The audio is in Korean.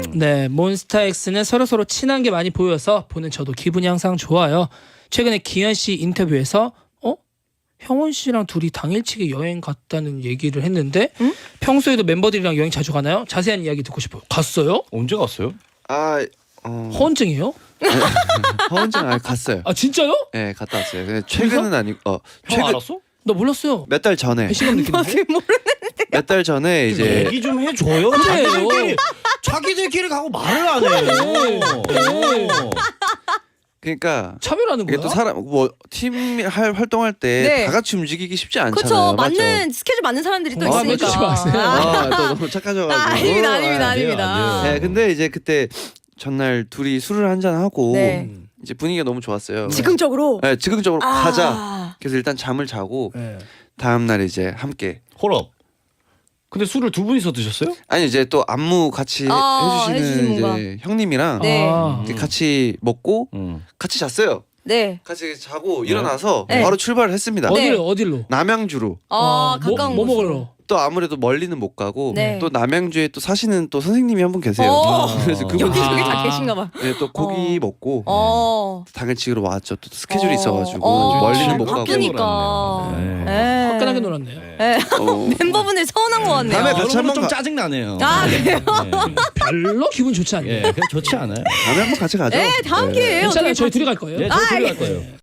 네, 몬스타엑스는 서로서로 친한 게 많이 보여서 보는 저도 기분이 항상 좋아요. 최근에 기현 씨 인터뷰에서 형원 씨랑 둘이 당일치기 여행 갔다는 얘기를 했는데 평소에도 멤버들이랑 여행 자주 가나요? 자세한 이야기 듣고 싶어요. 갔어요? 언제 갔어요? 허언증이에요? 허언증 갔어요. 아 진짜요? 네, 갔다 왔어요. 근데 최근은 아니고 형 알았어? 나 몰랐어요. 몇 달 전에 배신감 느끼는데? 몇 달 전에 이제 얘기 좀 해줘요. 자기들끼리 가고 말을 안 해요. 그러니까 차별하는 이게 거야? 또 사람 팀 활동할 때 네. 다 같이 움직이기 쉽지 않잖아요. 그렇죠. 맞죠? 맞는 스케줄 맞는 사람들이 또 아, 있으니까. 맺지 마세요. 또 너무 착하셔가지고. 아닙니다, 아닙니다, 안 돼요, 아닙니다. 안 돼요. 네, 근데 이제 그때 전날 둘이 술을 한잔 하고 네. 이제 분위기가 너무 좋았어요. 즉흥적으로. 네, 즉흥적으로 아. 가자. 그래서 일단 잠을 자고 네. 다음 날 이제 함께. 홀업. 근데 술을 두 분이서 드셨어요? 아니 이제 또 안무 같이 해주시는 해주시는 분과. 이제 형님이랑 네. 이렇게 같이 먹고 음. 같이 잤어요. 네. 같이 자고 일어나서 네. 바로 출발을 했습니다. 네. 어디로? 남양주로. 가까운 뭐 곳으로. 먹으러? 또 아무래도 멀리는 못 가고 네. 또 남양주에 또 사시는 또 선생님이 한 분 계세요. 그래서 그분 여기저기 다 아. 계신가 봐. 네, 또 고기 먹고 당일치기로 당일치기로 왔죠. 또 스케줄이 있어가지고 어, 멀리는 못 가고. 바쁘니까. 네. 네. 화끈하게 놀았네요. 네. 어, 멤버분들 서운한 것 같네요. 다음에 같이 여러분은 한번 좀 가- 짜증 나네요. 아, 그래요? 별로 기분 좋지 않네요. 예, 그냥 좋지 않아요. 다음에 한번 같이 가죠. 네, 다음 기회에요. 괜찮아요. 어떻게 저희 둘이 갈 거예요. 예, 저 둘이 갈 거예요.